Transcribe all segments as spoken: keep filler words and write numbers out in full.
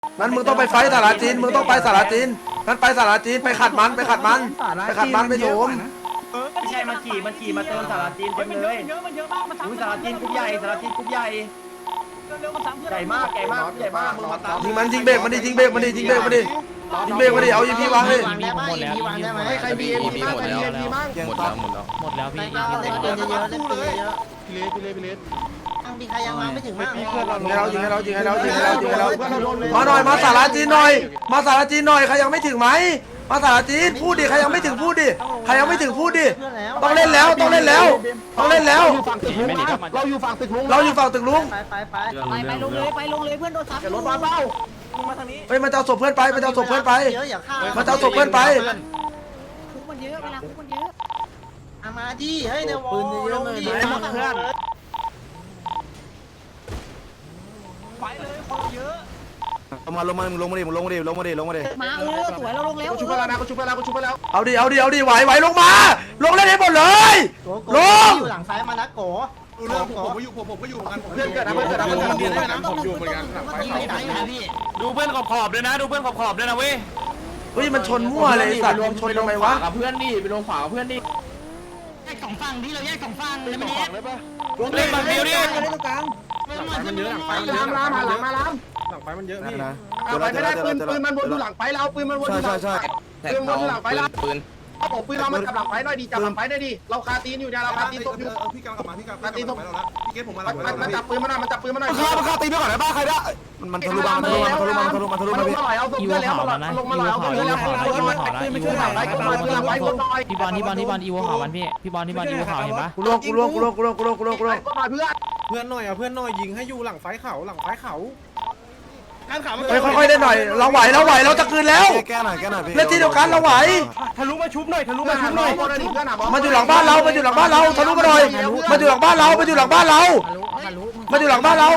งั้นมึงต้องไปไฟสาราจีนมึงต้องไปสาราจีนงั้นไปสาราจีนไปขัดมันไปขัดมันไปขัดมันไปโถมไม่ใช่มันขี่มันขี่มาเติมสาราจีนเต็มเลยเยอะมันเยอะมากมันซ้ำสาราจีนกรุ๊ปใหญ่สาราจีนกรุ๊ปใหญ่เร็วมันซ้ำใหญ่มากใหญ่มากใหญ่มากมึงมาตามยิงมันยิงเบรกมันดิยิงเบรกมันดิยิงเบรกมันดิยิงเบรกมันดิเอาอีพีวางเลยหมดแล้ววางได้ไหมใครมีเอ็มพีบ้างใครมีเอ็มพีบ้างหมดแล้วหมดแล้วหมดแล้วพี่เล่นปืนเยอะเล่นปืนเยอะพี่เลสพี่เลสพี่เลสมีใครยังมาไม่ถึงบ้างยิงให้เรายิงให้เรายิงให้เรายิงให้เรายิงให้เรามาหน่อยมาสาราจีนหน่อยมาสาราจีนหน่อยใครยังไม่ถึงไหมมาสาราจีนพูดดิใครยังไม่ถึงพูดดิใครยังไม่ถึงพูดดิต้องเล่นแล้วต้องเล่นแล้วต้องเล่นแล้วเราอยู่ฝั่งตึกลุงเราอยู่ฝั่งตึกลุงไปไปไปไปไปลงเลยไปลงเลยเพื่อนโดนทับรถมาเบ้ามึงมาทางนี้เฮ้ยมันจะเอาศพเพื่อนไปมันจะเอาศพเพื่อนไปเยอะอย่าฆ่ามันจะเอาศพเพื่อนไปคุกมันเยอะเวลาคุกมันเยอะมาดิเฮ้ยเดี๋ยวปืนเยอะเลยหมดเพื่อนไปเลยคนเยอะลงมาลงมาลงมาดิลงมาดิลงมาดิลงมาดิมาเออสวยเราลงแล้วชุบไปแล้วนะชุบไปแล้วชุบไปแล้วเอาดิเอาดิเอาดิไหวไหวลงมาลงเล่นให้หมดเลยโกโกอยู่หลังซ้ายมานะโกดูเรื่องผมก็อยู่ผมผมก็อยู่เหมือนกันเพื่อนเกิดนะเพื่อนเกิดนะเพื่อนเกิดนะผมอยู่เหมือนกันดูเพื่อนขอบขอบด้วยนะดูเพื่อนขอบขอบด้วยนะเว้ยเฮ้ยมันชนมั่วเลยสัตว์มันชนทำไมวะกับเพื่อนดิไปลงขวากับเพื่อนดิแยกสองฝั่งที่เราแยกสองฝั่งเลยมันแยกเล่นฝั่งเดียวดิมันเยอะหลังไฟมันเยอะล้ามมาหลังมาล้ามหลังไฟมันเยอะพี่เอาไปไม่ได้ปืนปืนมันวนอยู่หลังไฟเราปืนมันวนอยู่หลังไฟปืนวนอยู่หลังไฟเราปืนเอาผมปืนเรามาจับหลังไฟหน่อยดีจับหลังไฟหน่อยดิเราคาตีนอยู่เนี่ยเราคาตีนตบอยู่พี่กำลังกลับมาพี่กำลังตีนตบแล้วพี่เกตผมมาแล้วมันจับปืนมาหน่อยมันจับปืนมาหน่อยมันคามันคาตีนไปก่อนได้ป่ะใครได้มันทะลุมามันทะลุมามันทะลุมามันทะลุมาพี่เอาศพอีเพื่โวอนแล้วขาวแล้วนะลงมาอีหโวน่อยเอาขาวศพอีเพื่โวอนแล้วขาวนะอีโวขาวนะอีโวขาวนะพี่บอลพี่บอลพี่บอลอีโวขาวมันพี่พี่บอลพี่บอลอีโวขาวเห็นปะกูล่วงกูล่วงกูล่วงกูล่วงกูล่วงกูล่วงกูล่วงเพื่อนเพื่อนหน่อยเอาเพื่อนหน่อยยิงให้อยู่หลังไฟเขาหลังไฟเขาการขาเฮ้ยค่อยๆได้หน่อยเราไหวเราไหวเราจะคืนแล้วแก้หน่อยแก้หน่อยพี่เล่นที่เดียวกันเราไหวทะลุมาชุบหน่อยทะลุมาชุบหน่อยมันอยู่หลังบ้านเรามันอยู่หลังบ้านเราทะลุมาหน่อยมันอยู่หลังบ้านเรามันอยู่หลังบ้านเรามันอยู่หลังบ้านเรา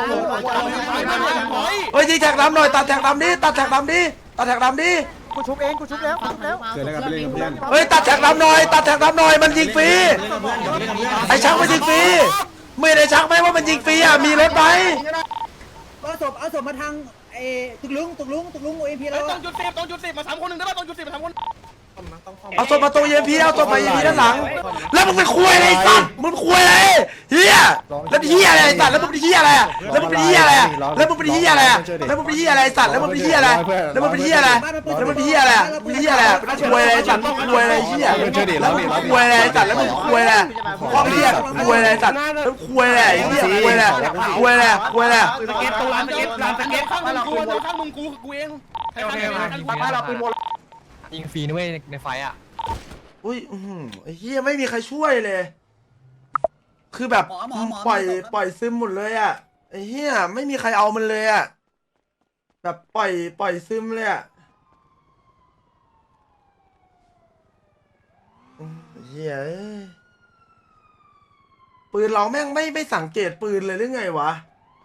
เฮ้ยยิงแท็กดำหน่อยตัดแท็กดำดิตัดแท็กดำดิตัดแท็กดำดิกูชุบเองกูชุบแล้วชุบแล้วเกิดอะไรกันเล่นกับเพื่อนเฮ้ยตัดแท็กดำหน่อยตัดแท็กดำหน่อยมันยิงฟรีไอ้ชักมันยิงฟรีไม่ได้ชักไหมว่ามันยิงฟรีอ่ะมีรถไหมเอาศพเอาศพมาทางไอ้ตึกลุงตึกลุงตึกลุงโอเอ็มพีแล้วต้องจุดสิบต้องจุดสิบมาสามคนหนึ่งได้ป่ะต้องจุดสิบมาสามคนเอาศพมาตัวเอ็มพีเอาศพมาเอ็มพีด้านหลังแล้วมึงเป็นคุยอะไรไอ้สัตว์มึงคุยอะไรเฮียแล้วเฮียอะไรไอ้สัตว์แล้วมึงเป็นเฮียอะไรแล้วมึงเป็นเฮียอะไรแล้วมึงเป็นเฮียอะไรแล้วมึงเป็นเฮียอะไรไอ้สัตว์แล้วมึงเป็นเฮียอะไรแล้วมึงเป็นเฮียอะไรแล้วมึงเป็นเฮียอะไรเป็นเฮียอะไรเป็นคุยอะไรไอ้สัตว์มึงคุยอะไรเฮียแล้วมึงคุยอะไรไอ้สัตว์แล้วมึงคุยอะไรพ่อเฮียคุยอะไรไอ้สัตว์แล้วคุยอะไรเฮียคุยอะไรคุยอะไรคุยอะไรสเก็ตตรงร้านสเก็ตร้านสเก็ตข้างมึงกูข้างมึงกูกูเองโอเคโอเคบ้านเราปืนหมดยิงฟรีนะเว้ยในไฟอ่ะอุ้ยไอ้เฮียไม่มีใครช่วยเลย คือแบบปล่อยปล่อยซึมหมดเลยอ่ะไอ้เฮียไม่มีใครเอามันเลยอ่ะแบบปล่อยปล่อยซึมเลยอ่ะเฮียปืนเราแม่งไม่ไม่สังเกตปืนเลยหรือไงวะ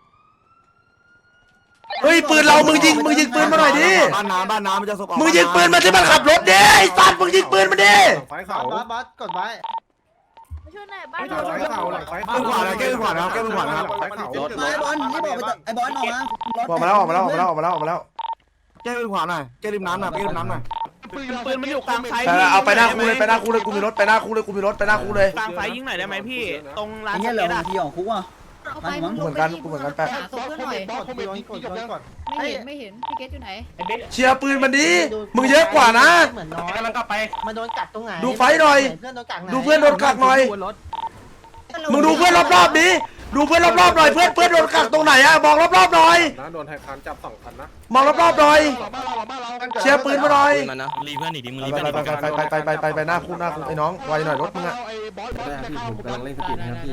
เฮ้ยปืนเรามึงยิงมึงยิงปืนมาหน่อยดิบ้านน้ำบ้านน้ำมันจะสบมึงยิงปืนมาที่มันขับรถดิไอ้สัตว์มึงยิงปืนมาดิไฟเขาบอสบอสกดไว้มาช่วยหน่อยบ้านไฟเขาหลังไฟเขาขวานะแก้ขวานะแก้ขวานะไฟเขาไอ้บอลนี่บอกไปไอ้บอลออกมาออกมาแล้วออกมาแล้วออกมาแล้วออกมาแล้วออกมาแล้วแก้ขวาหน่อยแก้ริมน้ำหน่อยแก้ริมน้ำหน่อยปืนปืนมันอยู่กลางไฟไปเอาไปหน้าคูเลยไปหน้าคูเลยกูมีรถไปหน้าคูเลยกูมีรถไปหน้าคูเลยกลางไฟยิงหน่อยได้ไหมพี่ตรงร้านไอ้สเงี้ยเหลือเก็ตบาอ่ะงทีของคุกอ่ะเอาไปมึงเหมือนกันกูเหมือนกันแปะหาศพเพื่อนหน่อยกดกดกดกดไม่เห็นไม่เห็นพี่เกตอยู่ไหนเชียร์ปืนมันดีมึงเยอะกว่านะเหมือนน้อยกำลังกลับไปมันโดนกัดตรงไหนดูไฟหน่อยเพื่อนโดนกัดไหนดูเพื่อนโดนกักหน่อยมึงดูเพื่อนรอบๆดิดูเพื่อนรอบๆหน่อยเพื่อนเพื่อนโดนกักตรงไหนอะมองรอบๆหน่อยนะโดนไทยคันจับสองคันนะมองรอบๆหน่อยเชียร์ปืนมาหน่อยรีเพื่อนหนีดิมึงรีไปเพื่อนหนีไปไปไปไปไปไปไปหน้าคูหน้าคูไอ้น้องไวหน่อยรถมึงอะกำลังเล่นสปีดนะพี่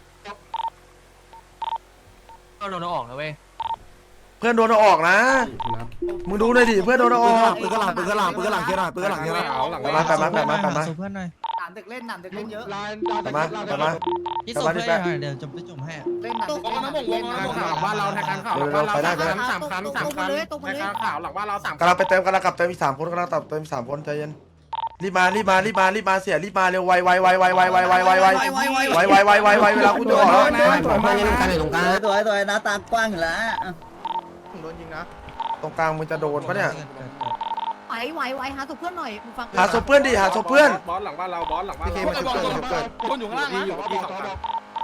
ก็โดนออกนะเว้ยเพื่อนโดนเอาออกนะมึงดูหน่อยดิเพื่อนโดนเอาออกปืนกระหล่ำปืนกระหล่ำปืนกระหล่ำเคียร์หน่อยปืนกระหล่ำเคียร์หน่อยไปมาไปมาไปมาไปมาเพื่อนหน่อยหนามเด็กเล่นหนามเด็กเล่นเยอะไปมาไปมาพี่ส่งเพื่อนหน่อยเดี๋ยวจะไปจุ่มให้เล่นหนามตกเด็กนะเล่นผมหนามวเด็กงเล่นนะหลังบ้านเราไทยคันข่าวหลังบ้านเราสามคันสามคันสามคันไทยคันข่าวหลังบ้านเราสามกำลังไปเติมกำลังกลับเติมอีกสามคนกำลังกลับเติมอีกสามคนใจเย็นรีบมารีบมารีบมารีบมาเสียรีบมาเร็วไวไวไวไวไวไวไวไวไวไวไวไวไวไวเวลาคุณจะออกแล้วตัวตัวตัวหน้าตากว้างอยู่แล้วโดนยิงนะตรงกลางมึงจะโดนปะเนี่ยไหวไหวไหวหาตัวเพื่อนหน่อยมึงฟังหาศพเพื่อนดิหาศพเพื่อนบอสหลังบ้านเราบอสหลังบ้านเราคนบอกบอกคนอยู่ข้างล่างนะที่สองคัน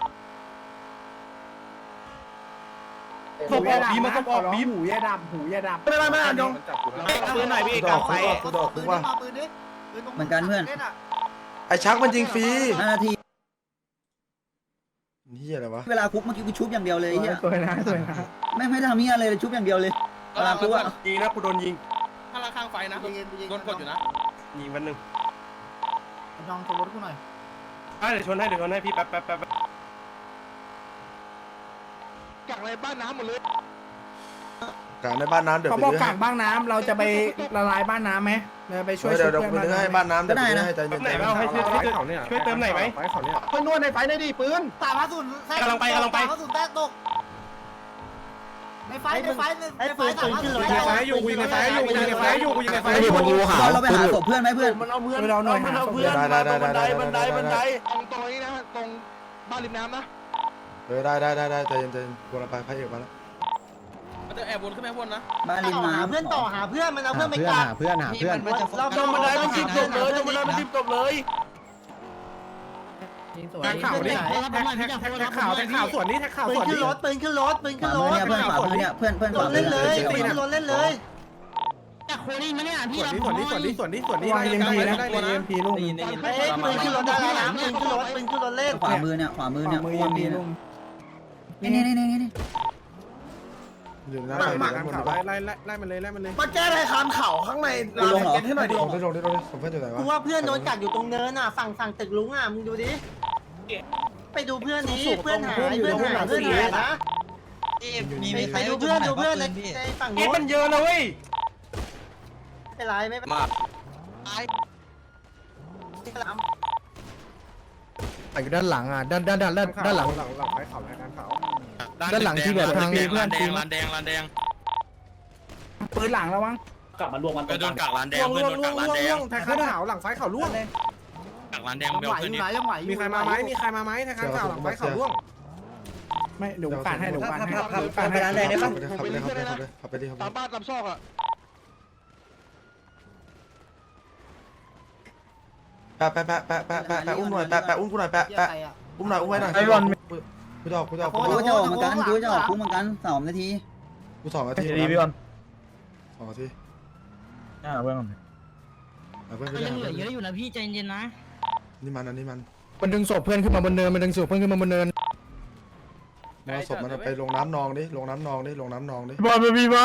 ศพออกบีมันศพออกบีหูยาดำหูยาดำไม่ไม่ไม่ยงมันจับกูแล้วปืนหน่อยพี่กูดอกกูดอกกูดอกกูว่าเหมือนกันเพื่อนไอ้ชักมันยิงฟรีห้านาทีนี่อะไรวะเวลาคุกเมื่อกี้กูชุบอย่างเดียวเลยเฮียสวยนะสวยนะไม่ไม่ทำเฮียอะไรเลยชุบอย่างเดียวเลยเวลาคุกอะยิงนะกูโดนยิงข้างล่างข้างไฟนะโดนกดอยู่นะยิงวันหนึ่งลองโทรรถกูหน่อยอ่ะเดี๋ยวชนให้เดี๋ยวชนให้พี่แป๊บแป๊บแป๊บกักอะไรบ้านน้ำหมดเลยกลางในบ้านน้ำเดี๋ยวเขาไปบอกลื้อกัให้กบ้างน้ำเราจะไปละลายบ้านน้ำไหมเราไปช่วยเดี๋ยวเดี๋ยวไปลื้อให้บ้านน้ำเดี๋ยวไปลื้อให้ใจเย็นไหนเอาให้ช่วยช่วยช่วยเติมไหนไหมไฟเขาเนี่ยเพื่อนนวดในไฟได้ดิปืนสามห้าศูนย์กำลังไปกำลังไปสามห้าศูนย์แตกตกในไฟในไฟในไฟสามห้าศูนย์ยิงในไฟอยู่ยิงในไฟอยู่ยิงในไฟอยู่ยิงในไฟอยู่เราไปหาศพเพื่อนไหมเพื่อนมันเอาเพื่อนเราหน่อยหาศพได้ได้ได้ได้ได้ได้ได้ได้ตรงตรงนี้นะตรงบ้านริมน้ำนะเออได้ได้ได้ได้ใจเย็นใจเย็นกูกำลังไปพระเอกมาแล้วมันจะแอบวนขึ้นไปวนนะบ้านริมน้ำเพื่อนต่อหาเพื่อนมันเอาเพื่อนไปกัดเพื่อนหาเพื่อนเราจมบันไดมันทิ่มจบเลยจมบันไดมันทิ่มจบเลยแท็กข่าวนี่แท็กแท็กแท็กข่าวแท็กข่าวส่วนนี้แท็กข่าวปืนส่วนขึ้นี้นรถปืนขึ้นรถปืนขึ้นรถเพื่อนขวามือเนี่ยเพื่อนเพื่อนขวาเล่นเลยปืนขึ้นรถเล่นเลยแต่โคนี่มาเนี่ยพี่ส่วนนี้ส่วนนี้ส่วนนี้ส่วนนี้ส่วนนี้ได้เอ็มพีนะได้เอ็มพีลุงเฮ้ยปืนขึ้นรถได้แล้วนะปืนขึ้นรถปืนขึ้นรถเล่นขวามือเนี่ยขวามือเนี่ยมือเอ็มพีลุงนี่นี่นี่นี่นี่อยู่หน้าหไปมักอยู่หมัด้าก นบนข่าวดีกว่าไล่ไล่ไล่มันเลยไล่มันเลยมาแก้ไขคำเข่าข้างในลงเหรอให้หน่อยดิลงได้ลงได้ลงได้สมเพื่อนอยู่ไหนวะกูว่าเพื่อนโดนกัดอยู่ตรงเนินอ่ะฝั่งฝั่งตึกลุงอ่ะมึงดูดิไปดูเพื่อนนี้เพื่อนหายเพื่อนหายเพื่อนหายนะไปดูเพื่อนดูเพื่อนในในฝั่งเอ็นู้นมันเยอะนะเว้ยไม่เป็นไรไม่เป็นไรอยู่ด้านหลังอ่ะด้านด้านด้านด้านด้านหลังหลังหลังไฟข่าวรายการข่าวด้านหลังที่แบบทางเพื่อนตีลานแดงลานแดงปืนหลังแล้วมั้งกลับมารวมกันไปโดนกักลานแดงล่วงเพื่อนล่วงโดนล่วกังกลานแดล่วงงแท็กข่าวหลังไฟข่าวล่วงกักลานแดงเบลขึ้นนี่มีใครมาไหมมีใครมาไหมแท็กข่าวหลังไฟข่าวล่วงไม่เดี๋ยวการให้เดี๋ยวการให้เดี๋ยวการให้ร้านแดงได้ปะขับไปเลยขับไปเลยขับไปเลยขับไปดิขับไปตามบ้านตามซอกอ่ะแปะแปะแปะแปะแปะแปะแปะอุ้มหน่อยแปะแปะอุ้มกูหน่อยแปะแปะอุ้มหน่อยอุ้มไว้หน่อยกูจะออกกูจะออกกูจะออกเหมือนกันกูจะออกกูเหมือนกันสองนาทีกูสองนาทีดีพี่บอลสองนาทีอ่าเพื่อนเอาเพื่อนไปยังเหลือเยเลยอะอยู่นะพี่ใจเย็นนะนี่มันอันนี้มันมันดึงศพเพื่อนขึ้นมาบนเนินมันดึงศพเพื่อนขึ้นมาบนเนินเอาศพมันไปลงน้ำนองดิลงน้ำนองดิลงน้ำนองดิบอลไม่มีวะ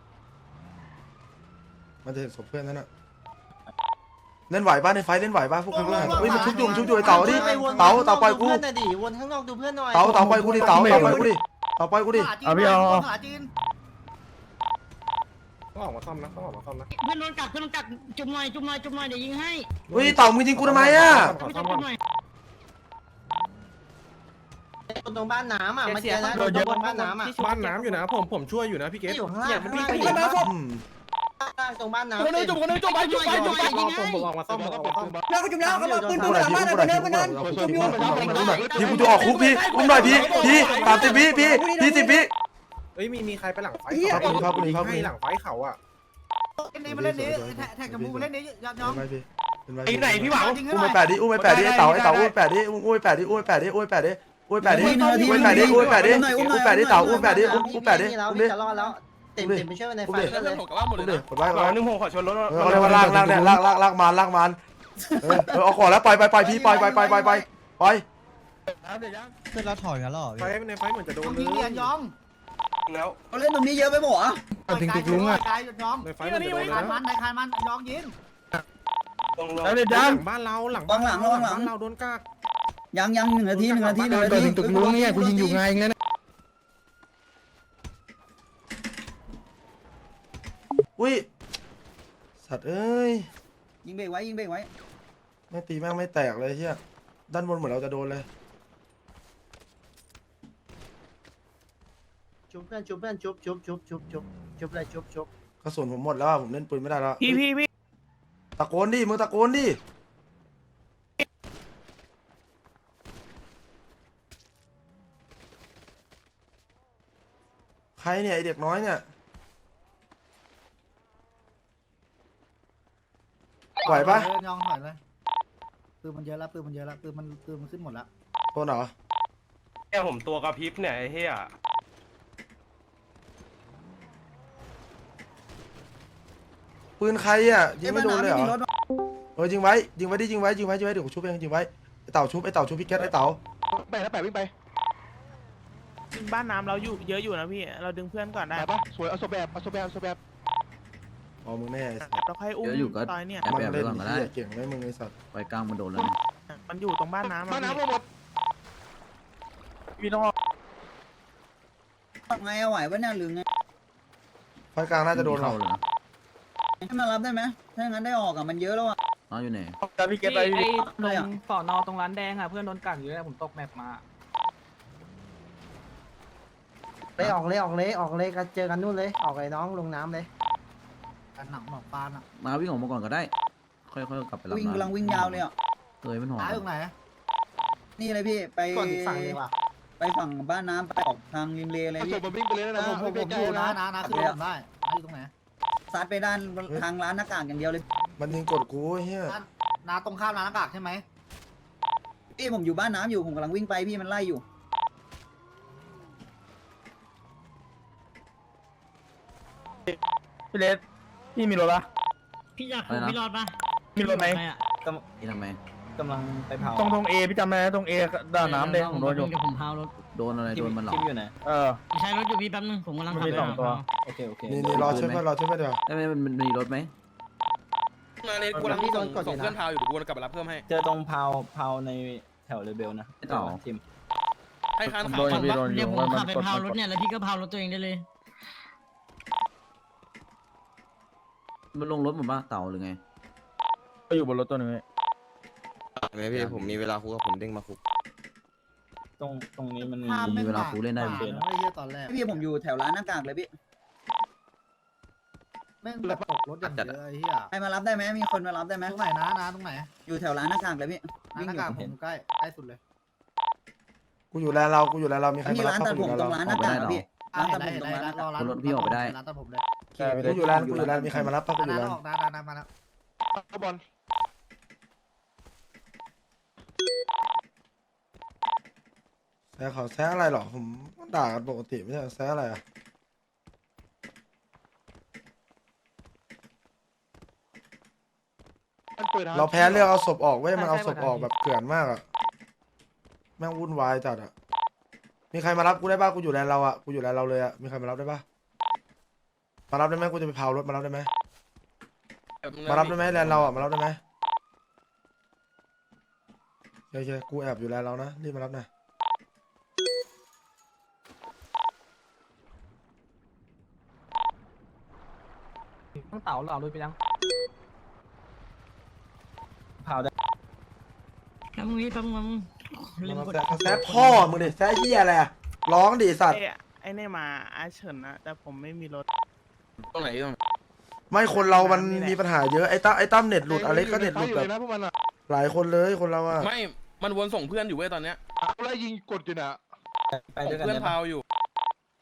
มันจะเห็นศพเพื่อนนั่นน่ะเล่นไหวป่ะในไฟเล่นไหวป่ะพวกคุณเฮ้ยมันชุบอยู่ชุบอยู่ไอ้เต่าดิเต่าเต่าปล่อยกูเพื่อนน่ะดิวนข้างนอกดูเพื่อนหน่อยเต่าเต่าปล่อยกูดิเต่าเต่าปล่อยกูดิเต่าปล่อยกูดิเอาพี่เอาหาจีนต้องออกมาซ่อมนะต้องออกมาซ่อมนะเพื่อนโดนกักเพื่อนโดนกักจุ่มหน่อยจุ่มหน่อยจุ่มหน่อยเดี๋ยวยิงให้เฮ้ยเต่ามึงยิงกูทำไมอ่ะไม่ต้องจุ่มหน่อยคนตรงบ้านน้ำอ่ะมาเจอแล้วตรงบ้านน้ำอ่ะบ้านน้ำอยู่นะผมผมช่วยอยู่นะพี่เกศที่อยู่ข้างล่างข้างล่างอืมตรงบ้านน้ำคนนึงจุ่มคนนึงจุ่มไปจุ่มไปจุ่มไปยิงผมให้ผมออกมาซ่อมผมออกมาซ่อมแล้วก็จุ่มแล้วเขาบอกปืนปืนหลังบ้านเลยปืนเนินปืนเนินจุ่มอยู่พี่กูจะออกคุกพี่อุ้มหน่อยพี่พี่สามสิบวิพี่พี่สิบวิเฮ้ยมีมีใครไปหลังไฟเขาให้หลังไฟเขาอ่ะเล่นนี้มาเล่นนี้แท็กกับมูมาเล่นนี้ยอดน้องเป็นไรพี่เป็นไรไอ้ไหนพี่หวังอุ้มไปแปดดิอุ้มไปแปดดิไอ้เต่าไอ้เต่าอุ้มไปแปดดิอุ้มไปแปดดิอุ้มไปแปดดิอุ้มไปแปดดิอุ้มไปแปดดิอุ้มไปแปดดิอุ้มไปแปดดิอุ้มไปแปดดิเต่าอุ้มไปแปดดิอุ้มอุ้มแปดดิแล้วอุ้มดิจะรอดแล้วเต็มเต็มไปช่วยในไฟเพื่อนผมกับว่าหมดอุ้มเลดิยกดไว้กดหวัไว้งนึงผมขอชนรถเออเขาเรียกว่าลากลากเนี่ยลากลากลากมันลากมันเออเออเอาก่อนแล้วปล่อยไปปล่อยพี่ปล่อยปล่อยปล่อยปล่อยปล่อยปล่อยเพื่อนเราถอยกันหรอไฟในไฟเหมือนจะโดนเลยยิงเนียนยองแล้วเขาเล่นตรงนี้เยอะไปหมดอ่ะถึงตึกลุงอ่ะกายหยุดยองในไฟเหมือนจะโดนคานมัแล้วนในคานมันยองยิงลงลงแล้วเด็ดดังบ้านเราหลังบ้านเราหลังบ้านเราโดนกากยังยังหนึ่งนาทีหนึ่งนาทีหนึ่งนาทีถึงตึกลุงเนี่ยกูยิงอยู่ไงเงี้ยอุ้ยสัตว์เอ้ยยิงเบรกไว้ยิงเบรกไว้ไม่ตีแม่งไม่แตกเลยเฮียด้านบนเหมือนเราจะโดนเลยชุบเพื่อนชุบเพื่อนชุบชุบชุบชุบชุบชุบเลยชุบชุบกระสุนผมหมดแล้วผมเล่นปืนไม่ได้แล้วพี่พี่พี่ตะโกนดิมึงตะโกนดิใครเนี่ยไอเด็กน้อยเนี่ยไหวปะยองถอยเลยปืนมันเยอะแล้วปืนมันเยอะแล้วปืนมันปืนมันขึ้นหมดแล้วโดนเหรอแค่ผมตัวกระพริบเนี่ยไอ้เหี้ยปืนใครอ่ะยิงไม่โดนเลยเหรอเออยิงไว้ยิงไว้ดิยิงไว้ยิงไว้ยิงไว้เดี๋ยวกูชุบเองยิงไว้ไอ้เต่าชุบไอ้เต่าชุบพี่แก๊สไอ้เต่าไปแล้วแปะวิ่งไปบ้านน้ำเราอยู่เยอะอยู่นะพี่เราดึงเพื่อนก่อนได้ไปปะสวยเอาโซแบบเอาโซแบบเอาโซแบบอ๋อมึงแน่ไอ้สัสเราค่อยอุ้มตอยเนี่ยมันเล่นเหี้ยเก่งไหมมึงไอ้สัสไปกลางมันโดนแล้วมันอยู่ตรงบ้านน้ำบ้านน้ำหมดพี่ต้องไงเอาไหววะเนี่ยหรือไงไฟกลางน่าจะโดนเราเข้าเลยนะให้มารับได้ไหมถ้างั้นได้ออกอ่ะมันเยอะแล้วอ่ะน้องอยู่ไหนแต่พี่เกตไปตรงสอนอตรงร้านแดงอ่ะเพื่อนโดนกัดอยู่แล้วผมตกแมปมาเลยออกเลยออกเลยออกเลยกันเจอกันนู่นเลยออกเลยน้องลงน้ำเลยกันหนังหนองปานอ่ะมาวิ่งออกมาก่อนก็ได้ ค่อยๆกลับไปรับวิ่งกำลังวิ่งยาวเลยอ่ะเอ้ยมันหอมตายตรงไหนนี่เลยพี่ไปก่อนอีกฝั่งเลยว่ะไปฝั่งบ้านน้ำไปออกทางริมเลเลยเอาโซพี่บวิ่งไปเลยนะผมผมผมอยู่นะนะนะคือผมได้นะอยู่ตรงไหนซัดไปด้านทางร้านหน้ากากอย่างเดียวเลยมันยิงกดกูเฮียนาตรงข้ามร้านหน้ากากใช่ไหมพี่ผมอยู่บ้านน้ำอยู่ผมกำลังวิ่งไปพี่มันไล่อยู่พี่เลสพี่มีรถปะพี่อยากคุยพี่รอดปะมีรถไหมนี่ทำไมกำลังไปเผาตรงตรงเอพี่จำได้ตรงเอด้านน้ำแดงผมโดนอยู่ผมพารถโดนอะไรโดนมันหรออยู่ไหนเออใช้รถอยู่พี่แป๊บนึงผมกำลังมันมีสองตัวโอเคโอเคนี่นี่รอช่วยเพื่อนรอช่วยเพื่อนเดี๋ยวได้ไหมมันมันมีรถไหมมาเลยกูกำลังส่งส่งเพื่อนพาวอยู่เดี๋ยวกูกลับไปรับเพิ่มให้เจอตรงเผาเผาในแถวเลเบลนะไอ้ต่อทีมให้คันโดขาน วพี่ปะโดนอยู่ขับไปพารถเนี่ยแล้วพี่ก็พารถตัวเองได้เลย มันลงรถหมดป่ะเต่าหรือไงก็อยู่บนรถตัวนึงไงพี่ผมมีเวลาคุกกับผมเด้งมาคุกตรงตรงนี้มันมีเวลาคูเล่นได้ไม่เฮียตอนแรกพี่ผมอยู่แถวร้านหน้ากากเลยพี่แม่งแบบตกรถอย่างเยอะไอ้เหี้ยใครมารับได้ไหมมีคนมารับได้ไหมตรงไหนนะนะตรงไหนอยู่แถวร้านหน้ากากเลยพี่ร้านวิ่งหอน้ายู่กากผมผเห็นมใกล้ใกล้สุดเลยกูอยู่แลนเรากูอยู่แลนเรามีใครมีมารัร้าบนตัดผมตรงร้านหน้ากากอะพี่ร้านตัดได้ผมตรงได้ร้านหน้ากากรอร้านร้านตัดผมเลยกูอยู่แลนกูอยู่แลนมีใครมารับปะกูอยู่ร้านแลนออกร้านร้านมาแล้วเอาบอลแซะเขาแซะอะไรหรอผมด่ากันปกติไม่ใช่แซะอะไรอ่ะเราแพ้เรื่องเอาศพออกเว้ยมันเอาศพออกแบบเกลื่อนมากอ่ะแม่งวุ่นวายจัดอ่ะมีใครมารับกูได้ป่ะกูอยู่แลนเราอ่ะกูอยู่แลนเราเลยอ่ะมีใครมารับได้ป่ะมารับได้ไหมกูจะไปเผารถมารับได้ไหมมารับได้ไหมแลนเราอ่ะมารับได้ไหมโอเคกูแอบอยู่แลนเรานะรีบมารับหน่อยต้องเต่าเราเลยไปยังเผาได้แป๊บนึงพี่แป๊บนึงแซะแซะพ่อมึงดิแซะเหี้ยอะไรอะร้องดิสัตว์ไอ้นี่มาอาเฉินนะแต่ผมไม่มีรถตรงไหนตรงไหนไม่คนเรามันมีปัญหาเยอะไอ้ตั้มไอ้ตั้มเน็ตหลุดอะไรก็เน็ตหลุดแบบนะพวกมันอ่ะหลายคนเลยคนเราอะไม่มันวนส่งเพื่อนอยู่เว้ยตอนเนี้ยแล้วยิงกดอยู่น่ะไปด้วยกันเพื่อนได้ปะพาวอยู่